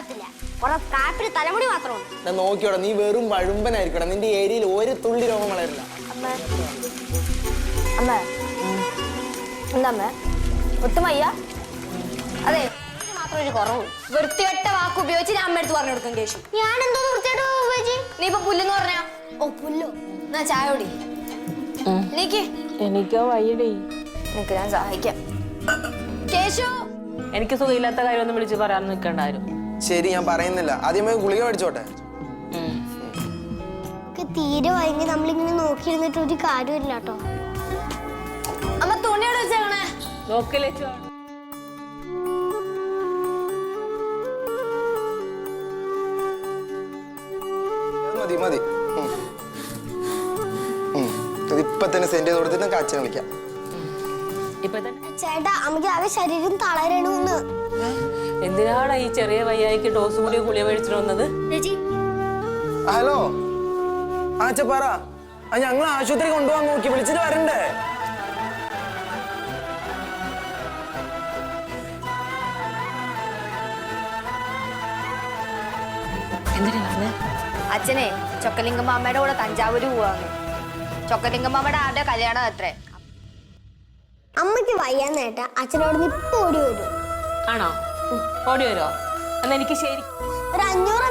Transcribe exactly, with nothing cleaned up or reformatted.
ഉണ്ടാകത്തില്ല. കുറെ കാപ്പിന് തലമുടി മാത്രമാണ്. നോക്കിയോടാ, നീ വെറും വഴുമ്പനായിരിക്കണം. നിന്റെ ഏരിയയിൽ ഒരു തുള്ളി രോഗം വളരില്ല. അമ്മ അമ്മ എന്താ ഒട്ടും വയ്യ? അതെ, മാത്രം ഒരു കുറവ്. വൃത്തികെട്ട വാക്ക് ഉപയോഗിച്ച് ഞാൻ അമ്മ എടുത്ത് പറഞ്ഞു കൊടുക്കും. കേശു, ഞാൻ എന്തോ വൃത്തികെട്ട ഉപയോഗിച്ച്? നീ ഇപ്പൊ പുല്ലെന്ന് പറഞ്ഞാ? ഓ പുല്ലോ, എന്നാ ചായ കുടി. എനിക്ക് എനിക്കോ വയ്യടേ. നിനക്ക് ഞാൻ സഹായിക്കാം. കേശു, എനിക്ക് സുഖമില്ലാത്ത കാര്യമൊന്നും വിളിച്ച് പറയാൻ നിൽക്കണ്ടായിരുന്നു. ശരി, ഞാൻ പറയുന്നില്ല. ആദ്യമേ ഗുളിക മേടിച്ചോട്ടെ. തീരെ വൈകി നമ്മളിങ്ങനെ നോക്കിയിരുന്നിട്ട് ഒരു കാര്യമില്ല കേട്ടോ. അമ്മ തുണിയോട് വെച്ചേക്കണേ. നോക്കല്ലേ മതി മതി. ഇപ്പൊ തന്നെ സെന്റ് ചെയ്ത് കൊടുത്തിട്ട് നമുക്ക് അച്ഛനെ വിളിക്കാം. ചേട്ടാ, അമ്മക്ക് ആകെ ശരീരം തളരണൂന്ന്. എന്തിനാണ് ഈ ചെറിയ വയ്യായിക്ക് ഡോസ് കൂടിയ ഗുളിക മേടിച്ചിട്ട് വന്നത്? ഹലോ, ആ അച്ഛ പറ. ഞങ്ങൾ ആശുപത്രി കൊണ്ടുപോകാൻ നോക്കി, വിളിച്ചിട്ട് വരണ്ടേ? അച്ഛനെ ചൊക്കലിംഗമാമ്മയുടെ കൂടെ തഞ്ചാവൂര് പോവാന്ന്. ചൊക്കലിംഗമാമ്മയുടെ ആരുടെ കല്യാണം അത്രേ. അമ്മക്ക് വയ്യാന്നേട്ടാ അച്ഛനോട് ഇപ്പൊ ഓടി വരും. ആണോ? ഓടി വരുമോ? എന്നാ എനിക്ക് ശരി ഒരു അഞ്ഞൂറ്